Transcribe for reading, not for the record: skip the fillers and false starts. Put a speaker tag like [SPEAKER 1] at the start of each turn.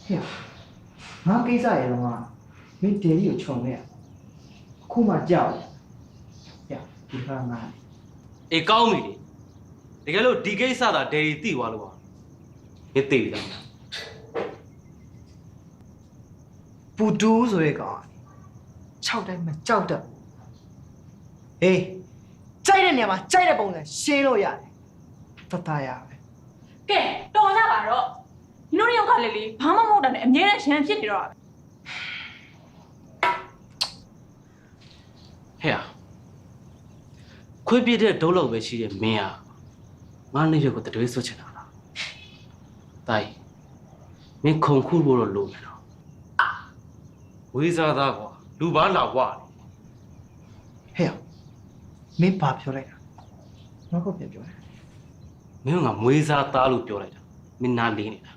[SPEAKER 1] ဟဲ့ငါကိစ္စရေတော့ကမင်းဒေဒီကိုခြုံခဲ့ရအခုမှကြောက်ရဒီခါငါ
[SPEAKER 2] အေးကောင်းပြီလေတကယ်လို့ဒီကိစ္စသာဒယ်ရီသိသွားလို့ပါမင်းသိပြီလား
[SPEAKER 1] ပူတူးဆိုရဲကောင်6တိုင်းမကြောက်တတ်ဟေးကြိုက်တဲ့နေရာမှာကြိုက်တဲ့ပုံစံရှင်းလို့ရတယ်တတရပဲ
[SPEAKER 3] ကဲတော်ကြပါတော့ညီတို့ရောက်ကလည်းလေဘာမှမဟုတ်တာနဲ့အမြဲတမ်းရန်ဖြစ်နေတော့
[SPEAKER 2] ဟဲ့ခွေးပြတဲ့ဒုံးလောက်ပဲရှိတဲ့မင်းငါနေရွက်ကိုတတွေးဆွချင်တာလားတိုင်မင်းခုံခုဖို့တော့လိုမယ်တော့ဝေးစားသားကွာလူပါလာကွာ
[SPEAKER 1] ဟဲ့မင်းဘာပြောလိုက်တာငါကပြန်ပြောတယ်
[SPEAKER 2] မင်းကမွေးစားသားလို့ပြောလိုက်တာမင်းနားလေးနေတာ